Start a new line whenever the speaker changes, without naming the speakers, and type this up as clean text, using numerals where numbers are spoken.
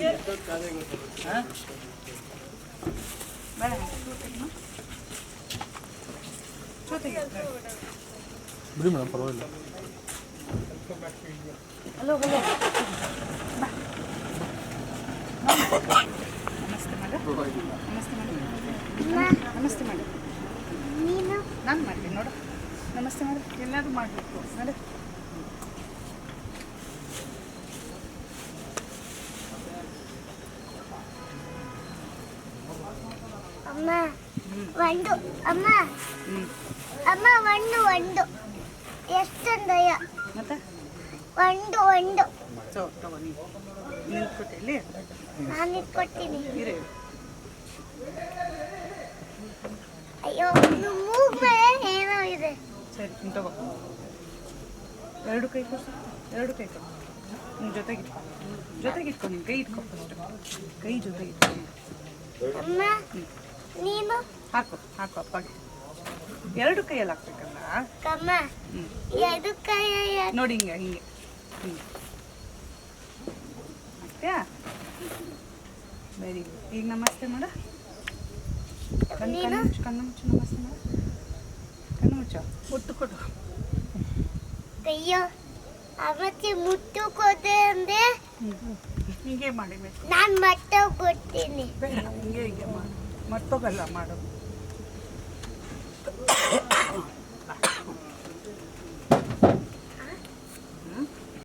ಬಿಡಿ ಮೇಡಮ್ ಪರವಾಗಿಲ್ಲ.
Hello hello ನಮಸ್ತೆ ಮೇಡಮ್. ನಮಸ್ತೆ ಮೇಡಮ್. ನಮಸ್ತೆ ಮೇಡಮ್. ನೀನು ನಾನು ಮಾಡ್ತೀನಿ ನೋಡು. ನಮಸ್ತೆ ಮೇಡಮ್. ಎಲ್ಲರೂ ಮಾಡಬೇಕು ನೋಡಿ.
ಅಮ್ಮ ಒಂದು ಅಮ್ಮ ಅಮ್ಮ ಒಂದು ಎಷ್ಟೊಂದಯ್ಯ
ಮತ್ತೆ
ಒಂದು
ಸೊ ತಗೋ ನೀವು ನಿಂತ್ಕೊಟ್ಟೆ ಇಲ್ಲಿ
ನಾನು ಇಟ್ಕೊಡ್ತೀನಿ.
ಇರೇ
ಅಯ್ಯೋ ಮೂಗ್ ಮೇಲೆ ಏನೋ ಇದೆ.
ಸರಿ ನೀನು ತಗೋ. ಎರಡು ಕೈ ಕೊಡು. ಎರಡು ಕೈ ಕೊಡು. ನೀನು ಜೊತೆಗಿಟ್ಕೊ ನೀನು ಕೈ ಇಟ್ಕೊ ಫಸ್ಟ್. ಕೈ ಜೊತೆಗಿಟ್ಕೊ.
ಅಮ್ಮ ನೀನು
ಹಾಕು ಅಪ್ಪಗೆ. ಎರಡು ಕೈಯಲ್ಲಿ ಹಾಕ್ಬೇಕಲ್ಲ.
ಕಮ್ಮ ಎರಡು ಕೈ
ನೋಡಿ ಹಿಂಗೆ ಆಗ್ತೀಯಾ? Very good. ಈಗ ನಮಸ್ತೆ ಮಾಡ. ಕಣ್ಣು ಮುಚ್ಚು ನಮಸ್ತೆ ಮಾಡ. ಕಣ್ಣು ಮುಚ್ಚ. ಒಟ್ಟು ಕೊಡು.
ಅಯ್ಯೋ ಅವತ್ತೆ ಮುಟ್ಟು ಕೊದೆ ಅಂದ್ರೆ
ಹೀಗೆ ಮಾಡಿಬೇಕು.
ನಾನು ಮತ್ತೆ ಕೊಡ್ತೀನಿ.
ಬೇಡ ಹಿಂಗೆ ಮಾಡು. ಮರ್ತೋಗಲ್ಲ ಮಾಡು.